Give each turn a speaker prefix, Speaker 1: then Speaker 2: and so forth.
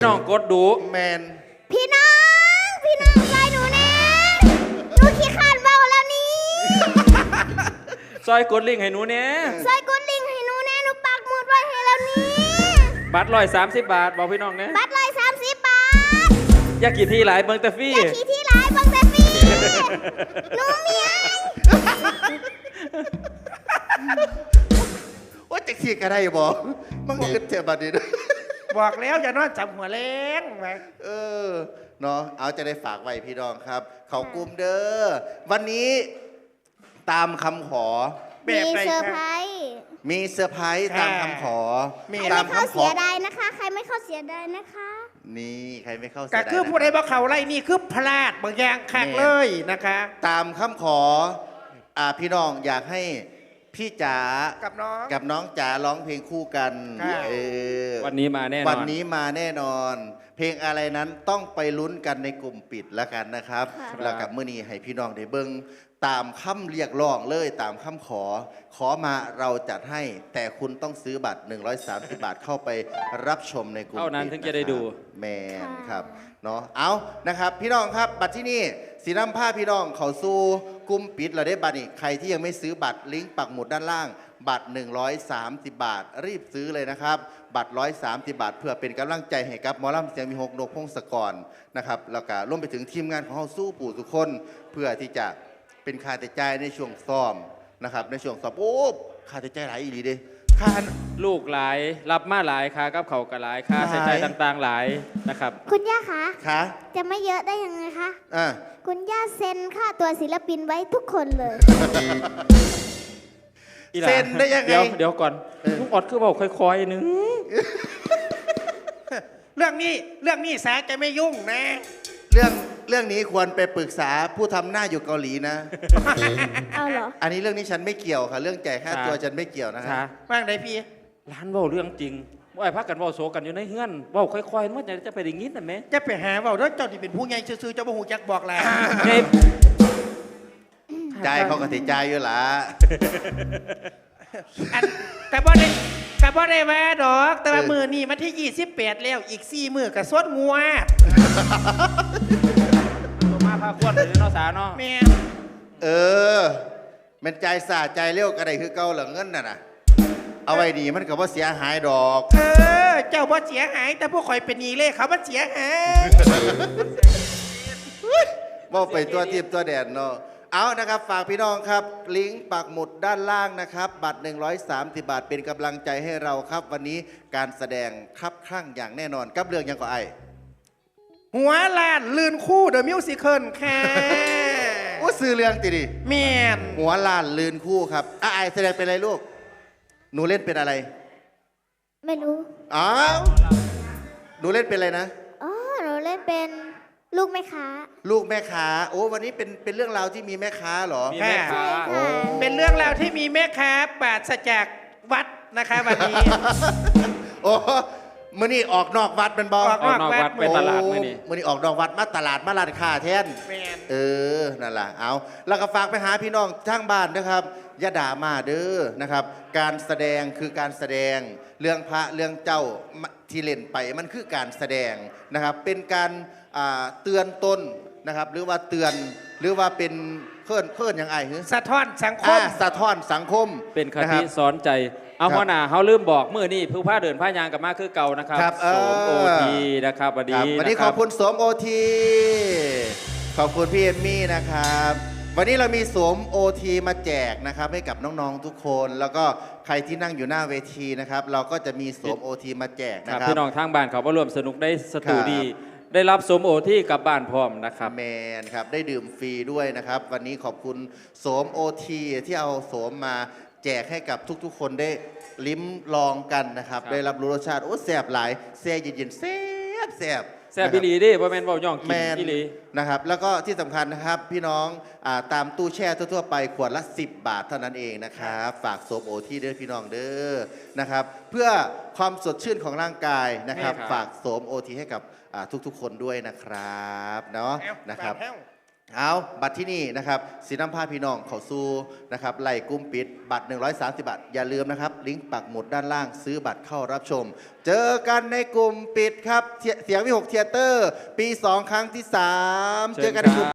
Speaker 1: น้องกดดู
Speaker 2: แมน
Speaker 3: พี่น้องซอยหนูแน่หนูขี้ขาดเบาแล้วนี่
Speaker 1: ซอยกดลิงก์ให้หนูเนี่ย
Speaker 3: ซอยกดลิงก์ให้หนูแน่หนูปักหมุดไว้ให้แล้วนี่
Speaker 1: บัตร130 บาทบอกพี่น้องเนี่ย
Speaker 3: บัตร130 บาท
Speaker 1: อยากกี่ทีหลายเบิ่งแต่ฟรี
Speaker 3: อย่าขี่ที่ร้ายบังแต่ฟรีหนูเมีย
Speaker 2: ว่าจะขี่กันได้บ่มันก็เจ็บบัดนี้ด้วย
Speaker 4: บอกแล้วอย่านอนจับหัวแรงไป
Speaker 2: เนาะเอาจะได้ฝากไว้พี่น้องครับ เขากลุ่มเด้อวันนี้ตามคำขอ
Speaker 4: แบ
Speaker 3: มี
Speaker 4: บไหน
Speaker 3: เซอร์
Speaker 4: ค
Speaker 3: ไพร
Speaker 4: รับ
Speaker 3: ส์
Speaker 2: มีเซอร์ไพรส์ตามคำขอ
Speaker 4: มี
Speaker 3: ใคร
Speaker 2: ตา
Speaker 3: ไม่
Speaker 2: ม
Speaker 3: เข้า
Speaker 2: คำข
Speaker 3: เสี
Speaker 2: อย
Speaker 3: ดายนะคะ ใครไม่เข้าเสียดายนะคะ
Speaker 2: นี่ใครไม่เข้าเสี
Speaker 4: ก็
Speaker 2: ยดาย
Speaker 4: คือผู้ใด
Speaker 2: นะ
Speaker 4: บอกเขาไล่นี่คือพลาดบางอย่างคักเลยนะคะ
Speaker 2: ตามคำขอพี่น้องอยากให้พี่จ๋า
Speaker 4: กับน้อง
Speaker 2: กับน้องจ๋าร้องเพลงคู่กัน
Speaker 4: ค่ะ
Speaker 1: วันนี้มาแน่นอน
Speaker 2: วันนี้มาแน่นอน เพลงอะไรนั้นต้องไปลุ้นกันในกลุ่มปิดแล้วกันนะครับ
Speaker 3: ค่ะ
Speaker 2: แล้วกับมื้อนี้ให้พี่น้องได้เบิ่งตามคำเรียกร้องเลยตามคำขอมาเราจัดให้ แต่คุณต้องซื้อบัตร130 บาทเข้าไปรับชมในกลุ่มปิด
Speaker 1: เท่านั้นถึงจะได้ดู
Speaker 2: แมนครับเนาะเอานะครับพี่น้องครับบัตรที่นี่สีน้ำผ้าพี่น้องเขาสู้กลุ่มปิดเราได้บัตรนี่ใครที่ยังไม่ซื้อบัตรลิงก์ปักหมุดด้านล่าง บัตร130 บาท รีบซื้อเลยนะครับ บัตร130 บาท เพื่อเป็นกำลังใจให้กับหมอลำเสียงมีหกนกพงศกรนะครับแล้วก็ร่วมไปถึงทีมงานของเราสู้ปู่ทุกคนเพื่อที่จะเป็นค่าใช้จ่ายในช่วงซ้อมนะครับในช่วงซ้อมโอ้ค่าใช้จ่ายหลายอีหลีเด้ค่า
Speaker 1: ลูกหลายรับมาหลายค่ากับเขาวก็หลายค่าใช้จ่ายต่างๆหลายนะครับ
Speaker 3: คุณย่าคะ
Speaker 2: ค่ะ
Speaker 3: จะไม่เยอะได้ยังไงคะ
Speaker 2: อ่า
Speaker 3: คุณย่าเซ็นค่าตัวศิลปินไว้ทุกคนเลย
Speaker 1: อีหลา
Speaker 2: เซ็นได้ยังไง
Speaker 1: เดี๋ยวก่อนลุงออดคือบอกค่อยๆนึง
Speaker 4: เรื่องนี้แสจะไม่ยุ่งนะ
Speaker 2: เรื่องนี้ควรไปปรึกษาผู้ทำหน้าอยู่เกาหลีนะ
Speaker 3: เอาเหรอ
Speaker 2: อันนี้เรื่องนี้ฉันไม่เกี่ยวค่ะ เรื่องจ่ายค่า
Speaker 1: ค่ะ
Speaker 2: ตัวฉันไม่เกี่ยวนะ
Speaker 1: ช้า
Speaker 2: คะ
Speaker 4: ว่างไหนพี่
Speaker 1: ร้านเว้าเรื่องจริงว่าไอ้พักกันเว้าโซกันอยู่ในเฮือนเว้าค่อยๆมันจะไปได้ยินน่ะแม่
Speaker 4: จะไปหาเว่าแล้วเจ้าที่เป็นผู้ใหญ่ซื่อๆเจ้าบ่หูจักบอกแหละ
Speaker 1: ไง
Speaker 2: ใจายเขาก็ติดใจายอยู่ละ
Speaker 4: อันแต่บ่ได้แว่ดอก แต่ว่ามือนี่มันที่28แล้วอีก4มื้อก็สวดงัว
Speaker 1: ตัวมาพาควรเลยเนาะสาเนาะ
Speaker 4: แม่
Speaker 2: เออ มันใจสาใจเร็วก็ได้คือเก่าเหลือเงินน่ะนะเอาไว้ดีมันก็บ่เสียหายดอก
Speaker 4: เจ้าบ่เสียหายแต่พวกข่อยเป็นหนี้เลยเขาบ่เสียหาย
Speaker 2: ว่าไปตัวทิพย์ตัวแดนเนาะเอานะครับฝากพี่น้องครับลิงก์ปักหมุดด้านล่างนะครับ บัตร130 บาทเป็นกำลังใจให้เราครับ วันนี้การแสดงครับครั่งอย่างแน่นอนกับเรื่องยังก็ไอ
Speaker 4: หัวล้านลื่นคู่เดอะมิวสิคลค่ะ
Speaker 2: โอ้ซื้อเรื่องติดิ
Speaker 4: แม่น
Speaker 2: หัวล้านลืนคู่ครับไอแสดงเป็นอะไรลูกหนูเล่นเป็นอะไร
Speaker 3: ไม่รู้
Speaker 2: อ้าวหนูเล่นเป็นอะไรนะ
Speaker 3: อ๋อ หนูเล่นเป็นลูกแม่ค้า
Speaker 2: ลูกแม่ค้าโอ้วันนี้เป็นเรื่องราวที่มีแม่ค้าเหรอ
Speaker 1: มีแม่ค้า
Speaker 3: ใช่ค่ะ
Speaker 4: เป็นเรื่องราวที่มีแม่ค้าปราศจากวัดนะคะวันนี้
Speaker 2: โอ้มื่อนี้ออกนอกวัดเป็นบอ
Speaker 4: ออก
Speaker 1: ออกนอกวัดไปตลาดมื้อนี้
Speaker 2: มื่อนี้ออกนอกวัดมาตลาดมาร้านค้าแทน
Speaker 4: แม่น
Speaker 2: นั่นแหละเอาแล้วก็ฝากไปหาพี่น้องทางบ้านนะครับอย่าด่ามาเด้อนะครับ การแสดงคือการแสดงเรื่องพระเรื่องเจ้าที่เล่นไปมันคือการแสดงนะครับ เป็นการเตือนตนนะครับ หรือว่าเตือนหรือว่าเป็นเคลื่อนอย่างไรหรือ
Speaker 4: สะท้อนสังคม
Speaker 2: สะท้อนสังคม
Speaker 1: เป็นค
Speaker 2: นะค
Speaker 1: ติ
Speaker 2: รับ
Speaker 1: สอนใจ เอา
Speaker 2: ครับ
Speaker 1: หัวหน้าเขาลืมบอกมื้อนี้ผู้พาเดินพายางกลับมาคือเก่านะครับ
Speaker 2: ครับ
Speaker 1: โสมโอทีนะครับวัน
Speaker 2: ครั
Speaker 1: นี้
Speaker 2: บวันนี้
Speaker 1: ะ
Speaker 2: ข
Speaker 1: รั
Speaker 2: อบคุณสวมโอทีขอบคุณพี่เอมมี่นะครับ วันนี้เรามีสวมโอทีมาแจกนะครับให้กับน้องๆทุกคน แล้วก็ใครที่นั่งอยู่หน้าเวทีนะครับ เราก็จะมีสวมโอทีมาแจก
Speaker 1: ค
Speaker 2: นะ
Speaker 1: รับ
Speaker 2: ครับ
Speaker 1: พี่น้องทางบ้านเขาก็ร่วมสนุกได้สตู
Speaker 2: ครับ
Speaker 1: ดี ได้รับสมโอที่กลับบ้านพร้อมนะครับ
Speaker 2: แมนครับได้ดื่มฟรีด้วยนะครับ วันนี้ขอบคุณสวมโอทีที่เอาสวมมาแจกให้กับทุกๆ คนได้ลิ้มลองกันนะครับ
Speaker 1: ครับ
Speaker 2: ได้รับรู้รสชาติโอ้แซ่บหลายแซ่เย็นๆแซ่บแซ่บ
Speaker 1: แซ่บอีหลีเดิบ่แม่นเว้าย่องกิ
Speaker 2: แม
Speaker 1: น
Speaker 2: น
Speaker 1: อีหลี
Speaker 2: นะครับแล้วก็ที่สำคัญนะครับพี่น้องตามตู้แช่ทั่วๆไปขวดละ 10 บาทเท่านั้นเองนะครับฝากโซมโอที่เด้อพี่น้องเด้อนะครับเพื่อความสดชื่นของร่างกายนะครับ
Speaker 1: แม่ครับ
Speaker 2: ฝากโสมโอทีให้กับทุกๆ คนด้วยนะครับเนาะนะครับเอาบัตรที่นี่นะครับสีน้ำผ้าพี่น้องเขาสู้นะครับไล่กุ้มปิดบัตร 130 บาท อย่าลืมนะครับลิงก์ปักหมุดด้านล่างซื้อบัตรเข้ารับชม เจอกันในกลุ่มปิดครับเสียงวิหกเทยเตอร์ ปี 2 ครั้งที่ 3 เจอกันในกลุ่ม